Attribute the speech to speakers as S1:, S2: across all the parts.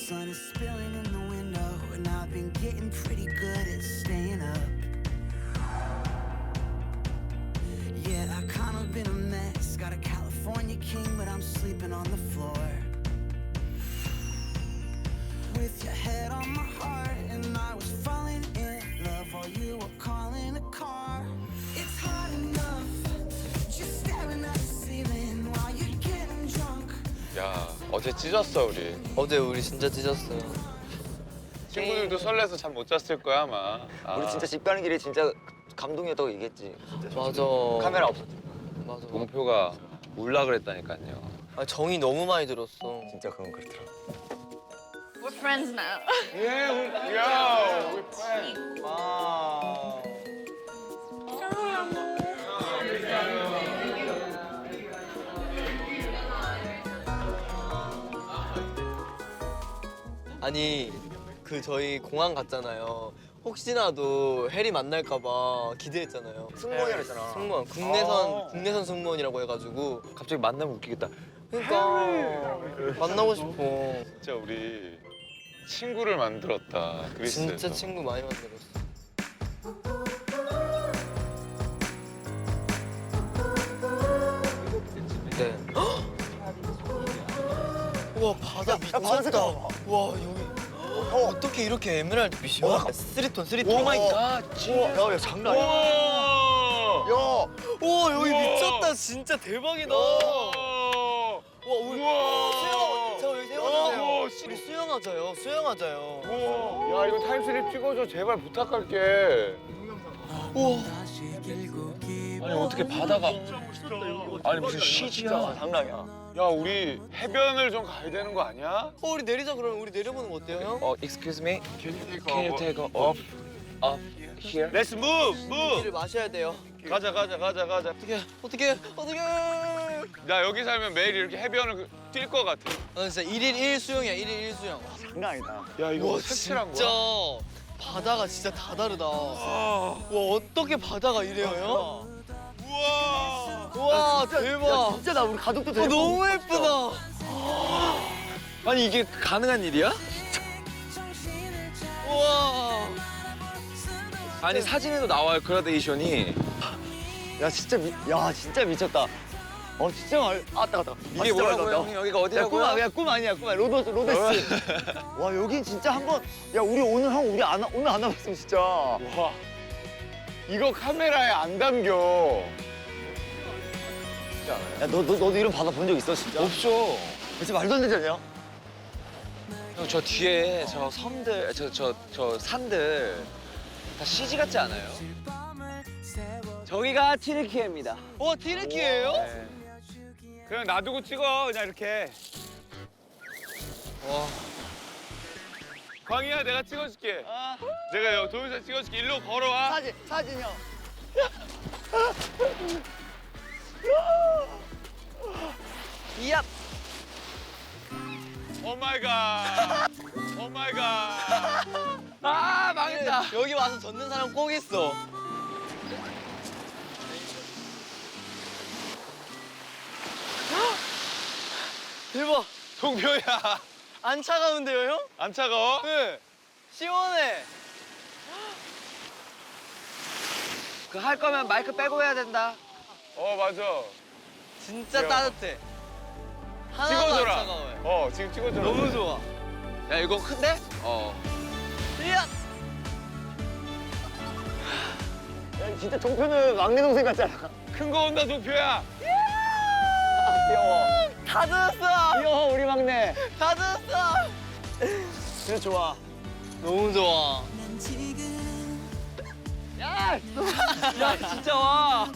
S1: sun is spilling in the window, and I've been getting pretty good at staying up. Yeah, I kind of been a mess. Got a California king, but I'm sleeping on the floor. With your head on my heart, and I was falling in love while you were calling a car. It's hard enough just staring at the ceiling while you're getting drunk.
S2: 야, 어제 찢었어 우리.
S3: 어제 우리 진짜 찢었어요.
S2: 친구들도 설레서 잠 못 잤을 거야 아마.
S4: 우리 진짜 집 가는 길에 진짜 감동이었다고 얘기했지.
S3: 맞아.
S4: 카메라 없었지.
S3: 맞아.
S2: 동표가 울라 그랬다니까요.
S3: 아, 정이 너무 많이 들었어.
S4: 진짜 그건 그렇더라.
S5: We're friends now.
S2: 야, 우리 팬.
S3: 와. 아니 그 저희 공항 갔잖아요. 혹시나도 해리 만날까봐 기대했잖아요.
S4: 승무원이라 했잖아.
S3: 승무원 국내선 승무원이라고 해가지고
S2: 갑자기 만나면 웃기겠다.
S3: 그러니까 만나고 싶어.
S2: 진짜 우리 친구를 만들었다. 그리스에서.
S3: 진짜 친구 많이 만들었어. 네. 우와 바다
S4: 바다 색깔
S3: 미쳤다.
S4: 봐봐.
S3: 와 여기 어떻게 이렇게 에메랄드 빛이야? 쓰리톤.
S2: 오 마이 갓.
S4: 야, 장난 아니야.
S2: 우와.
S4: 야,
S3: 우와 여기
S2: 우와.
S3: 미쳤다. 진짜 대박이다.
S2: 우와.
S3: 와 우리
S2: 우와.
S3: 수영. 저 여기 세워주세요.
S2: 우와.
S3: 우리 수영하자요. 수영하자요.
S2: 우와. 야 이거 타임슬립 찍어줘 제발 부탁할게.
S3: 우와.
S2: 아니 어떻게 바다가 아니 무슨 CG야.
S4: 장난 아니야.
S2: 야 우리 해변을 좀 가야 되는 거 아니야?
S3: 우리 내리자 그러면 우리 내려보는 거 어때요 형?
S2: Excuse me. Can you take off here? Let's move.
S3: 물을 마셔야 돼요.
S2: 가자.
S3: 어떻게?
S2: 나 여기 살면 매일 이렇게 해변을 뛸 것 같아.
S3: 진짜 1일 1 수영이야. 1일 1 수영.
S4: 장난 아니다.
S2: 야 이거
S3: 와
S2: 색칠한
S3: 진짜
S2: 거야?
S3: 바다가 진짜 다 다르다. 와 어떻게 바다가 이래요 형?
S2: 우와.
S3: 와
S4: 야,
S3: 대박.
S4: 진짜 나 우리 가족도 되게
S3: 너무 예쁘다.
S2: 아니 이게 가능한 일이야?
S3: 우와.
S2: 아니 사진에도 나와요 그라데이션이.
S4: 야, 진짜 미쳤다. 진짜 아따.
S2: 이게 뭐라고요 형님? 여기가 어디라고요?
S4: 꿈 아니야. 로데스. 와, 여긴 진짜 한번. 야, 우리 오늘 오늘 안 와봤으면 진짜.
S2: 와 이거 카메라에 안 담겨.
S4: 야, 너도 이런 바다 본 적 있어 진짜?
S2: 없어.
S4: 진짜 말도 안 되지 않냐?
S2: 형 저 뒤에 저 섬들 저 산들 다 CG 같지 않아요?
S4: 저기가 티르키예입니다.
S3: 와 티르키예요?
S2: 네. 그냥 놔두고 찍어 그냥 이렇게.
S3: 와.
S2: 광희야 내가 찍어줄게. 내가 여기 동영상 찍어줄게. 일로 걸어와.
S4: 사진이요.
S3: 이야.
S2: 오 마이 갓. 오 마이 갓. 아 망했다.
S3: 여기 와서 젖는 사람 꼭 있어. 대박.
S2: 동표야.
S3: 안 차가운데요 형?
S2: 안 차가워?
S3: 네. 시원해.
S4: 그 할 거면 마이크 빼고 해야 된다.
S2: 맞아.
S3: 진짜
S2: 귀여워.
S3: 따뜻해. 하나도 안
S2: 찍어줘라.
S3: 차가워요.
S2: 지금 찍어줘라.
S3: 너무 좋아.
S2: 야 이거 큰데?
S3: 이야.
S4: 야, 진짜 종표는 막내 동생 같잖아.
S2: 큰 거 온다 동표야.
S4: 귀여워.
S3: 다 젖었어.
S4: 귀여워, 우리 막내.
S3: 다 젖었어.
S4: 진짜 좋아.
S3: 너무 좋아.
S4: 야!
S3: 야 진짜 와.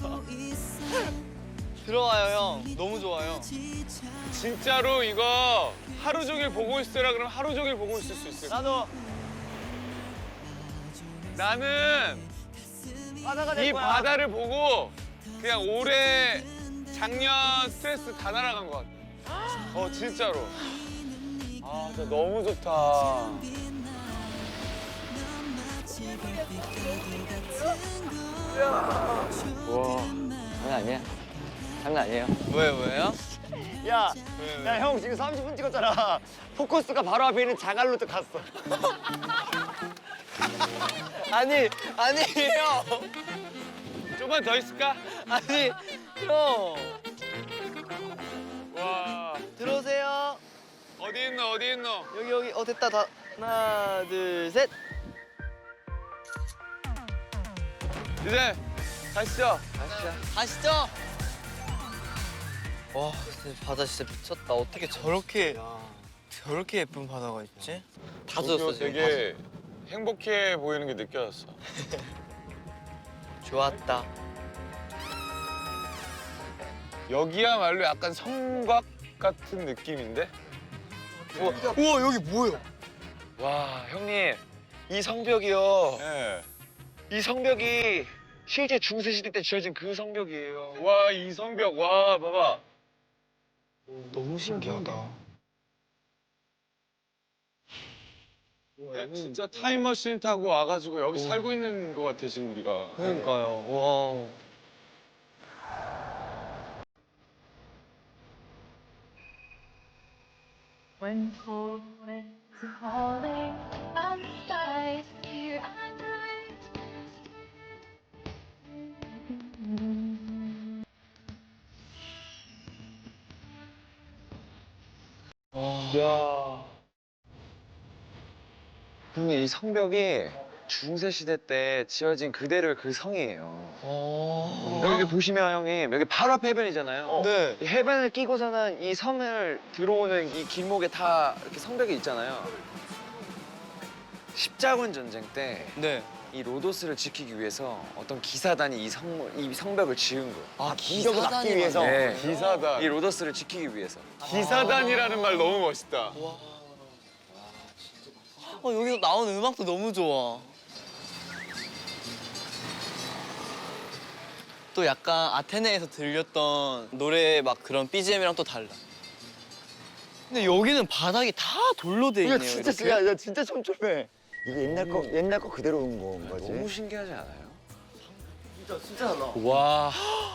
S3: 들어와요 형. 너무 좋아요.
S2: 진짜로 이거 하루 종일 보고 있으라 그러면 하루 종일 보고 있을 수 있을 거야.
S4: 나도
S2: 나는
S4: 바다가
S2: 이 바다를 보고 그냥 올해 작년 스트레스 다 날아간 것 같아. 진짜로. 진짜 너무 좋다.
S4: 와, 장난 아니야. 장난 아니에요.
S3: 왜요?
S4: 야, 야, 형 지금 30분 찍었잖아. 포커스가 바로 앞에 있는 자갈로도 갔어.
S3: 아니 형.
S2: 좀만 더 있을까?
S3: 아니 형.
S2: 와,
S3: 들어오세요.
S2: 어디 있노, 어디 있노?
S3: 여기 됐다 다. 하나 둘 셋.
S2: 이제 가시죠.
S3: 가시죠. 와 근데 바다 진짜 미쳤다. 어떻게 저렇게 예쁜 바다가 있지? 다
S2: 도쿄
S3: 젖었어 지금.
S2: 되게 행복해 보이는 게 느껴졌어.
S3: 좋았다.
S2: 여기야말로 약간 성곽 같은 느낌인데?
S3: 우와 여기 뭐야?
S6: 와, 형님, 이 성벽이요.
S2: 예.
S6: 이 성벽이 실제 중세시대 때 지어진 그 성벽이에요.
S2: 와, 이 성벽, 와, 봐봐.
S3: 너무 신기하다.
S2: 야, 진짜 타임머신 타고 와가지고 여기 살고 있는 것 같아, 지금 우리가.
S3: 그러니까요. 와.
S5: When morning is calling outside, here I night.
S6: 야. 형님, 이 성벽이 중세시대 때 지어진 그대로의 그 성이에요. 여기 보시면 형님, 여기 바로 앞에 해변이잖아요.
S3: 네.
S6: 이 해변을 끼고서는 이 섬을 들어오는 이 길목에 다 이렇게 성벽이 있잖아요. 십자군 전쟁 때 이
S3: 네.
S6: 로도스를 지키기 위해서 어떤 기사단이 이 성벽을 지은 거예요.
S3: 아
S4: 공격을 막기 위해서.
S6: 네.
S2: 기사단.
S6: 이 로도스를 지키기 위해서.
S2: 기사단이라는 말 너무 멋있다.
S3: 여기서 나오는 음악도 너무 좋아. 또 약간 아테네에서 들렸던 노래 막 그런 BGM이랑 또 달라. 근데 여기는 바닥이 다 돌로 돼
S4: 이거
S3: 있네요.
S4: 진짜
S3: 이렇게.
S4: 야, 진짜 촘촘해. 이게 옛날 거 그대로 온 거지.
S6: 너무 신기하지 않아요?
S4: 진짜 달라.
S6: 와.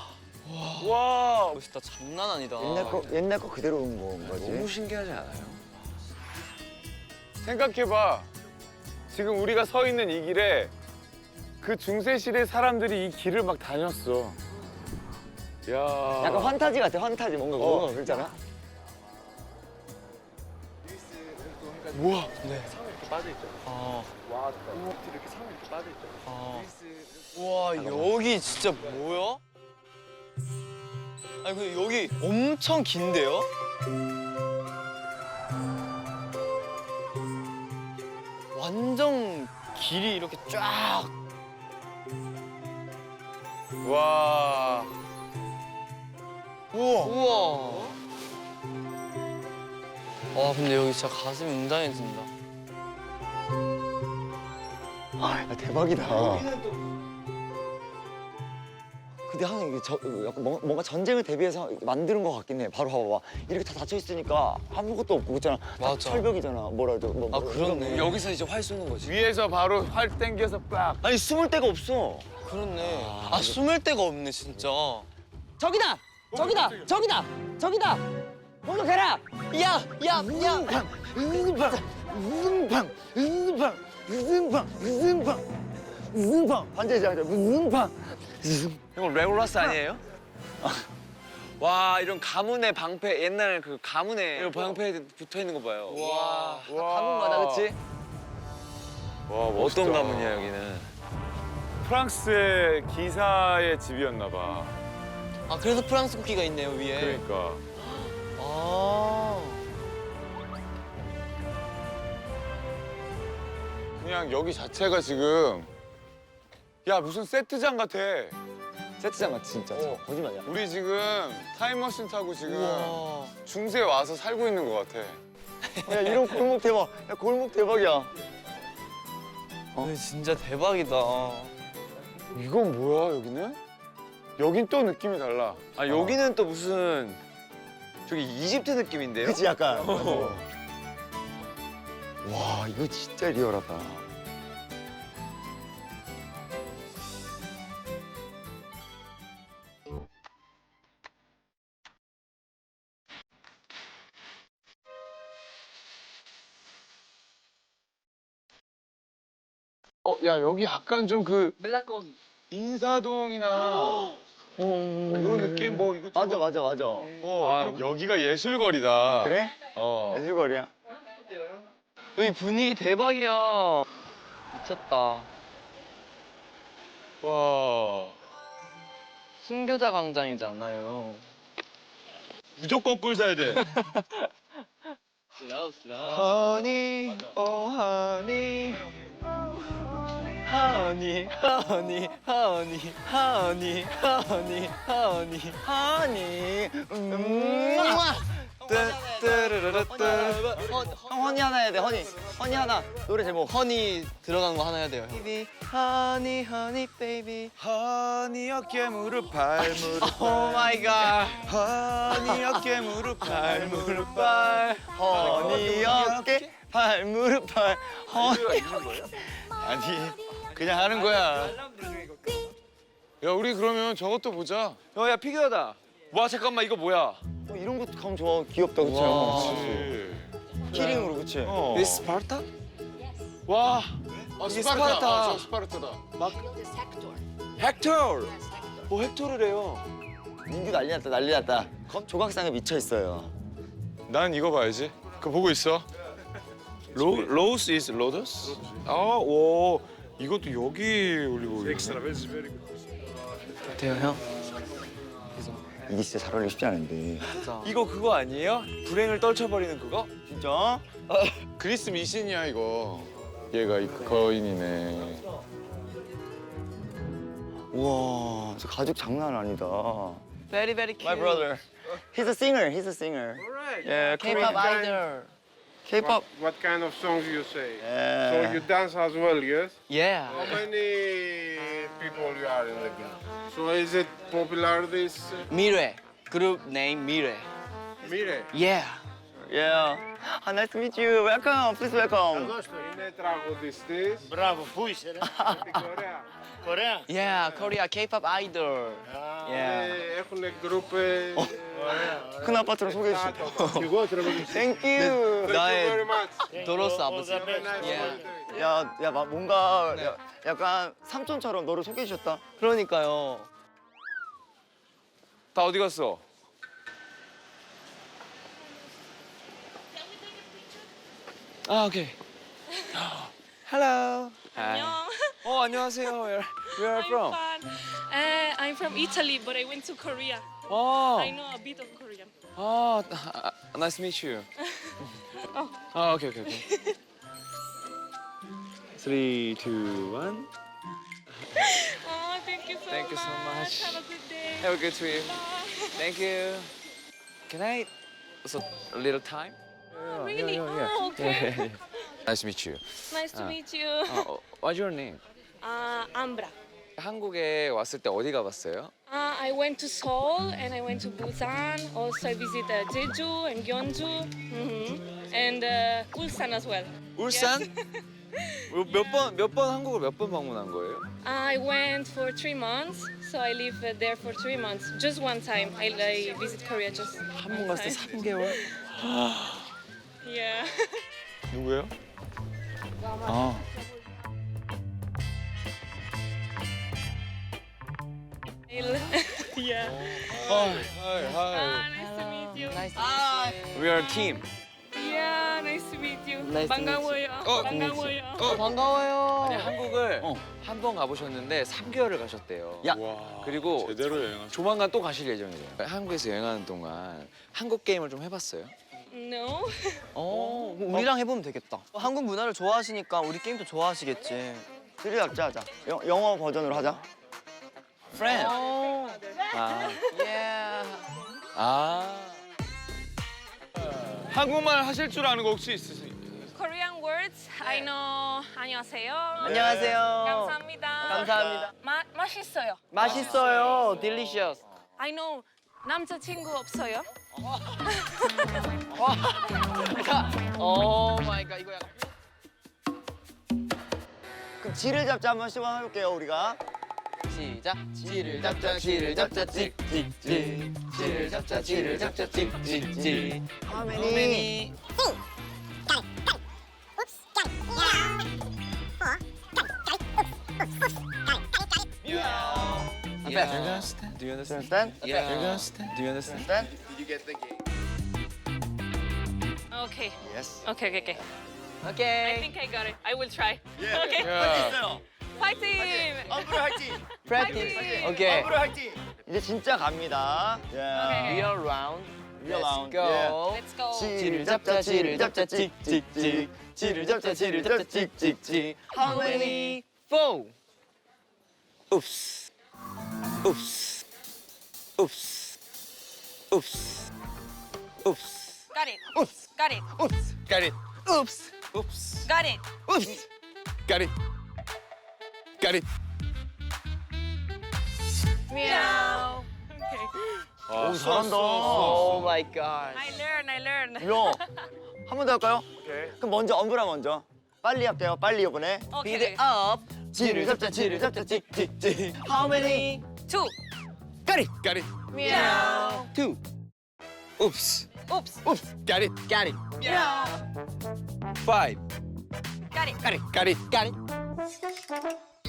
S2: 와,
S3: 멋있다. 장난 아니다.
S4: 옛날 거 그대로 온 거지.
S6: 너무 신기하지 않아요?
S2: 생각해봐. 지금 우리가 서 있는 이 길에 그 중세시대 사람들이 이 길을 막 다녔어. 야.
S4: 약간 환타지 같아. 환타지 뭔가 그렇잖아.
S2: 우와.
S3: 아. 아. 우와 여기 진짜 뭐야? 아니 근데 여기 엄청 긴데요? 완전 길이 이렇게 쫙.
S2: 와.
S3: 우와. 와 근데 여기 진짜 가슴이 웅장해진다.
S4: 야, 대박이다. 근데 하는 이게 약간 뭔가 전쟁을 대비해서 만드는 것 같긴 해. 바로 봐봐. 이렇게 다 닫혀 있으니까 아무것도 없고 그렇잖아. 다
S3: 맞아.
S4: 철벽이잖아.
S3: 아 그렇네.
S6: 여기서 이제 활 쏘는 거지.
S2: 위에서 바로 활 땡겨서 빡.
S4: 아니 숨을 데가 없어.
S3: 그렇네. 아 숨을 데가 없네 진짜.
S4: 저기다. 공격해라.
S3: 야.
S4: 으승팡 반대지 않자. 으승팡.
S6: 이거 레골라스 아니에요? 와 이런 가문의 방패 옛날 그 가문의 이런 방패에 붙어 있는 거 봐요. 와.
S4: 가문마다 그렇지?
S2: 와, 멋있다.
S6: 어떤 가문이야 여기는?
S2: 프랑스의 기사의 집이었나 봐.
S3: 아 그래서 프랑스 국기가 있네요 위에.
S2: 그러니까.
S3: 아.
S2: 그냥 여기 자체가 지금 야 무슨 세트장 같아.
S4: 세트장 같아 진짜. 거짓말이야.
S2: 우리 지금 타임머신 타고 지금
S3: 우와.
S2: 중세에 와서 살고 있는 것 같아.
S4: 야 이런 골목 대박. 야 골목 대박이야.
S3: 근데 진짜 대박이다.
S2: 이건 뭐야 여기는? 여긴 또 느낌이 달라.
S6: 아 여기는 또 무슨 저기 이집트 느낌인데요?
S4: 그치 약간. 와 이거 진짜 리얼하다.
S2: 야 여기 약간 좀 그
S3: 멜라콘.
S2: 인사동이나 이런 느낌 뭐 이거 좀
S4: 맞아.
S2: 여기가 예술거리다.
S4: 그래? 예술거리야.
S3: 여기 분위기 대박이야. 미쳤다.
S2: 와
S3: 순교자 광장이잖아요.
S2: 무조건 꿀 사야 돼.
S3: 허니, 오 허니. 허니, 허니, 허니, 허니, 허니, 허니, 허니.
S4: 형 허니 하나 해야 돼. 허니 하나. 노래 제목.
S3: 허니 들어간 거 하나 해야 돼요. 허니, 허니, 베이비.
S6: 허니 어깨 무릎 발 무릎
S3: 오 마이 갓.
S6: 허니 어깨 무릎 발 무릎
S3: 발.
S4: 허니 어깨 발 무릎 발 허니.
S6: 아니 그냥 하는 거야.
S2: 야 우리 그러면 저것도 보자.
S6: 야 피규어다. 와 잠깐만 이거 뭐야?
S4: 이런 것도 감 좋아. 귀엽다 그치?
S3: 와.
S4: 키링으로 그치?
S6: 이 스파르타?
S2: 와.
S6: 이게
S2: 스파르타.
S6: 스파르타.
S2: 저 스파르타다.
S6: 헥토르. 뭐 헥토르래요.
S4: 민규 난리 났다. 조각상에 미쳐 있어요.
S2: 난 이거 봐야지. 그거 보고 있어.
S6: 로스 is 로더스?
S2: 오 이것도 여기 올리고.
S3: 돼요 형?
S4: 이게 진짜 잘 어울리기 쉽지 않은데.
S6: 이거 그거 아니에요? 불행을 떨쳐버리는 그거?
S4: 진짜?
S2: 그리스 미신이야 이거. 얘가 이 거인이네.
S4: 우와, 저 가죽 장난 아니다.
S3: Very very cute.
S4: My brother. He's a singer. Yeah,
S3: K-pop idol.
S4: K-pop.
S7: What kind of songs you say? So
S4: Yeah.
S7: you dance as well, yes?
S3: Yeah.
S7: How many people you are in the group? So is it popular this
S3: 미래. Group name 미래.
S7: Mire?
S3: Yeah.
S4: Yeah. Nice to meet you. Welcome. Please welcome.
S7: Είναι τραγουδιστής.
S8: Μπράβο, πού είσαι ρε.
S7: Ωραία.
S8: Κορέα.
S3: Yeah, Korea K-pop idol. Yeah.
S7: Έχουν group.
S4: 큰 아파트로 소개해 주세요.
S7: Κι εγώ θέλω να
S4: Thank you.
S7: Thank you very much.
S3: 도로스 아버지.
S7: Have a nice
S3: Yeah.
S7: holiday.
S4: 야, 뭔가 약간 삼촌처럼 너를 소개해 주셨다.
S3: 그러니까요.
S6: 다 어디 갔어? 아 오케이. Hello. Hi. 안녕하세요. Where are you from?
S9: I'm from Italy, but I went to Korea.
S6: 어.
S9: I know a bit of Korean.
S6: Nice to meet you. 오케이. 3, 2, 1.
S9: Oh, thank you so
S6: Thank you so much.
S9: Have a good day.
S6: Have a good trip. Thank you. Can I also a little time?
S9: Really? Oh, okay.
S6: Nice to meet you.
S9: Nice to meet you.
S6: What's your name?
S9: Ambra.
S6: 한국에 왔을 때 어디 가봤어요?
S9: I went to Seoul and I went to Busan. Also, I visited Jeju and Gyeongju. And Ulsan as well.
S6: 울산? 몇 번 한국을 몇 번 방문한 거예요?
S9: I went for 3 months, so I lived there for 3 months. Just one time. I visit Korea just
S6: 한 번
S9: one
S6: 갔을 때
S9: time.
S6: 3개월?
S9: Yeah.
S2: 누구예요?
S9: Yeah.
S2: 하이.
S9: Nice to meet you.
S3: Nice to meet you.
S6: We are a team.
S9: Yeah, nice to meet you.
S3: Nice to meet you.
S9: 반가워요. 반가워요.
S3: 반가워요.
S6: 아니 한국을 한 번 가보셨는데 3개월을 가셨대요.
S4: 야.
S2: 와.
S6: 그리고
S2: 제대로 여행하셨.
S6: 조만간 또 가실 예정이에요. 한국에서 여행하는 동안 한국 게임을 좀 해봤어요?
S9: No.
S3: 그럼 우리랑 해보면 되겠다. 한국 문화를 좋아하시니까 우리 게임도 좋아하시겠지.
S4: 드리 잡자 하자. 영어 버전으로 하자.
S3: Friend.
S6: 아.
S3: Yeah.
S2: 한국말 하실 줄 아는 거 혹시 있으세요?
S9: Korean words. I know. 안녕하세요.
S3: 안녕하세요.
S9: 감사합니다.
S3: 감사합니다.
S9: 맛있어요.
S3: 맛있어요. Delicious.
S9: I know. 남자친구 없어요?
S3: 오 마이 갓 이거 약간.
S4: 그럼 지를 잡자 한번 시작해볼게요 우리가.
S3: 시작. 지를 잡자 지를 잡자 찍찍찍. 지를 잡자 지를 잡자 찍찍찍.
S4: How
S3: How many? understand?
S4: Do you understand?
S3: Yeah. Do you understand? Do you understand?
S7: Did you get the game?
S9: Okay.
S4: Yes.
S9: Okay. I
S3: Okay.
S9: think I got it. I will try. Okay.
S2: 야,
S9: Fighting!
S4: 엄브로 화이팅!
S3: Practice.
S9: 파이팅!
S3: Okay.
S4: 엄브로 화이팅! 이제 진짜 갑니다.
S9: 오케이.
S3: Real round.
S4: Real round.
S3: Let's go.
S9: Let's go.
S3: 지를 잡자 지를 잡자 찍찍찍 지를 잡자 지를 잡자 찍찍찍 How many? 4 Oops Oops Oops Oops Oops
S9: Got it.
S3: Oops
S9: Got it.
S3: Oops
S2: got it.
S3: Oops Oops
S9: Got it.
S3: Oops
S2: got it. got it.
S9: Meow. Okay.
S2: 오,
S4: 잘한다.
S3: Oh my god
S9: I learn.
S4: 야, 한 번 더 할까요?
S2: 오케이.
S4: 그럼 먼저 엄브라 먼저. 빨리 할게요. 빨리 이번에.
S3: Speed
S9: Okay.
S3: it up 지를 잡자 찍찍찍 How many?
S9: 2.
S3: Got it
S2: got it.
S9: Meow.
S3: 2
S2: Oops.
S9: Oops.
S3: Oops
S2: got it.
S3: Got it
S9: Meow.
S2: 5
S9: Got it.
S3: Got it
S2: got it.
S3: Got it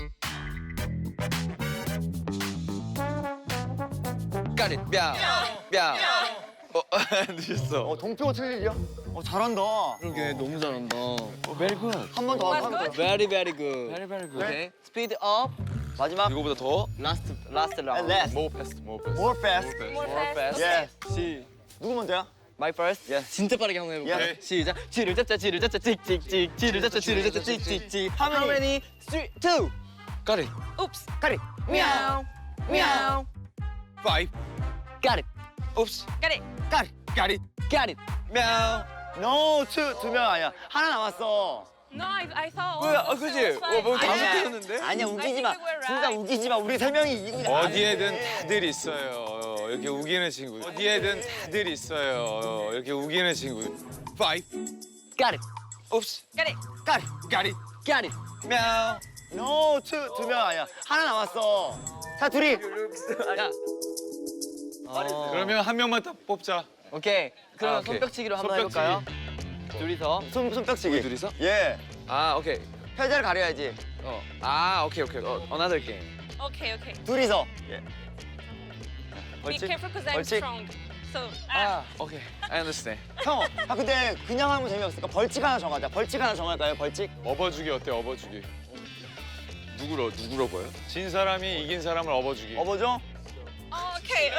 S2: got it. мя우. мя우. 늦었어.
S4: 동표가 틀리죠? 잘한다.
S3: 그러게 너무 잘한다
S2: Very good.
S4: 한 번 더
S9: That's
S4: 하면
S9: good.
S4: 돼.
S3: Very very good
S2: Very very good.
S3: Okay Speed up
S4: 마지막.
S2: 이거보다 더?
S3: Last round
S4: And last.
S2: More fast, more fast.
S4: More fast.
S9: More
S3: More
S9: fast.
S3: fast
S4: Yes.
S3: 시
S4: 누구 먼저야?
S3: My first
S4: Yes.
S3: 진짜 빠르게 한번 해볼까요?
S2: Yes.
S3: 시작 지를 잡자 찍찍찍 지를 잡자 찍찍찍 How many? 3, 2
S2: Got it.
S9: Oops.
S4: 까리.
S3: Meow Meow
S2: 5
S3: Got it
S2: Oops.
S9: Got it.
S4: 까리.
S2: got it.
S3: Got it
S2: мя우.
S4: No, 두 명 아니야. 하나 남았어.
S9: No, I thought.
S2: 뭐야?
S9: all of
S2: 그지?
S9: us was fine.
S2: 뭐 다섯
S4: 아니야.
S2: 개였는데?
S4: 아니야, 우기지 마.
S9: I think we were
S4: 진짜
S9: right.
S4: 우기지 마. 우리 세 명이 이기고 나.
S2: 어디에든 다들 있어요. 이렇게 우기는 친구. 어디에든 다들 있어요. 이렇게 우기는 친구. 5
S3: Got it
S2: Oops.
S9: Got it.
S4: 까리.
S2: got it.
S3: Got it
S2: мя우.
S4: No, 두 명 아니야. 하나 남았어. 자, 둘이.
S3: 야
S2: 그러면 한 명만 딱 뽑자.
S3: 오케이 그럼
S2: 아, 오케이.
S3: 손뼉치기로 한번
S2: 손뼉치기.
S3: 해볼까요? 둘이서
S4: 손뼉치기.
S2: 우리 둘이서?
S4: 예.
S2: 아, 오케이.
S4: 패자를 가려야지.
S2: 오케이. Another game.
S9: Okay.
S4: 둘이서. 예.
S9: Be
S4: 벌칙.
S9: careful because I'm
S4: 벌칙.
S9: strong. So.
S2: 오케이. I understand.
S4: 형, 근데 그냥 하면 재미없으니까 벌칙 하나 정하자. 벌칙 하나 정할까요? 벌칙?
S2: 업어주기 어때? 업어주기. 누구로 보여? 진 사람이 이긴 사람을 업어주기.
S4: 업어줘?
S9: Okay.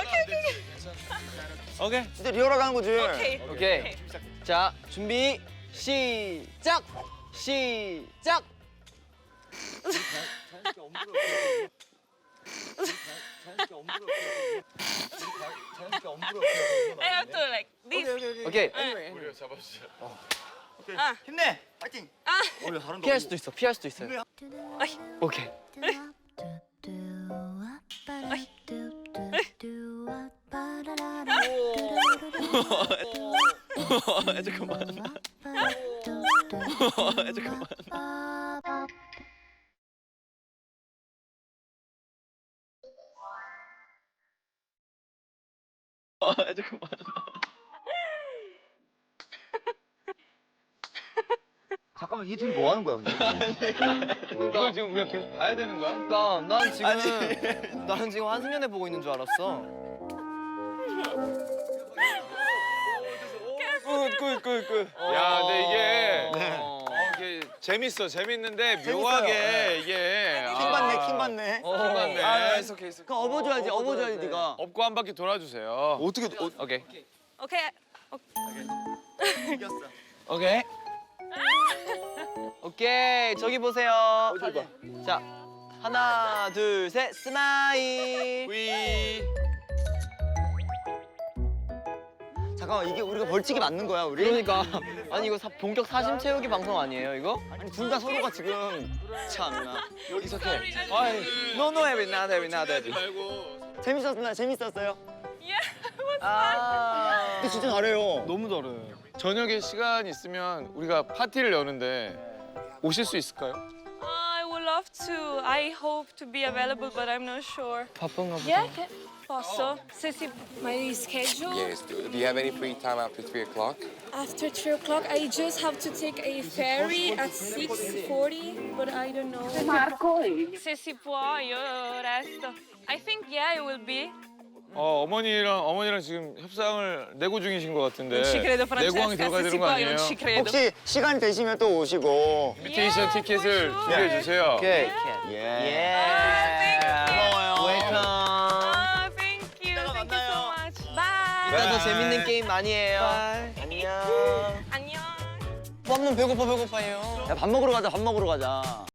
S2: 오케이.
S4: 진짜 리얼하게 하는 거지.
S9: Okay.
S3: 오케이 자 준비 시작 시작
S9: I have to like this.
S3: 오케이
S2: 우리가 잡아주자.
S4: 힘내. 파이팅.
S3: 피할 수도 있어 피할 수도 있어요
S9: 아이.
S3: 오케이 잠깐만 잠깐만 잠깐만
S4: 잠깐만, 이 둘이 뭐 하는 거야, 근데?
S2: 이걸 지금 우리가 계속 봐야 되는 거야?
S3: 난 지금 나는 지금 한승연애 보고 있는 줄 알았어
S2: 굿. 야, 근데 이게
S4: 네.
S2: 이게 재밌는데 묘하게 이게
S4: 킹 받네, 킹 받네.
S2: 킹 받네.
S3: 오케이
S4: 그럼 업어줘야지, 업어줘야지, 네가.
S2: 업고 한 바퀴 돌아주세요.
S4: 어떻게,
S2: 오케이.
S9: Okay.
S4: 이겼어.
S3: 오케이 오케이 저기 보세요
S4: 어디 봐.
S3: 자 하나 둘 셋 스마일
S2: 위.
S4: 잠깐만, 이게 우리가 벌칙이 맞는 거야, 우리?
S3: 그러니까 아니 이거 본격 사심 채우기 방송 아니에요 이거?
S4: 아니, 둘 다 서로가 지금. 참나.
S2: 여기서
S9: Sorry, I
S2: 아이, no, heavy, not heavy.
S4: 재밌었어요?
S9: Yeah.
S3: 아
S4: 근데 진짜 잘해요.
S3: 너무 잘해
S2: 저녁에 시간 있으면 우리가 파티를 여는데 오실 수 있을까요?
S9: I would love to. I hope to be available, but I'm not sure.
S3: 바쁜가 보다
S9: Yeah. Posso? Se my schedule
S8: Yes. Do you have any free time after 3 o'clock?
S9: after 3 o'clock. I just have to take a ferry at 6:40, but I don't know. Se si può, io resto. I think yeah, it will be.
S2: 어머니랑 지금 협상을 내고 중이신 것 같은데.
S9: Non ci credo,
S2: 내고왕이
S9: Francesca.
S2: 들어가야
S9: Se
S2: 되는
S9: si
S2: 거
S9: può, io
S2: 아니에요?
S9: non ci credo.
S4: 혹시 시간 되시면 또 오시고.
S2: 인비테이션
S9: Yeah,
S2: 티켓을
S9: for sure.
S2: 준비해 주세요.
S3: 오케이.
S4: 예.
S3: 웰컴.
S9: Oh, thank you.
S3: 이따가
S9: Thank you so
S3: 만나요.
S9: much. Bye.
S3: 이따 더 재밌는 게임 많이 해요. 안녕.
S9: 안녕.
S3: 한번 배고파요.
S4: 야, 밥 먹으러 가자, 밥 먹으러 가자.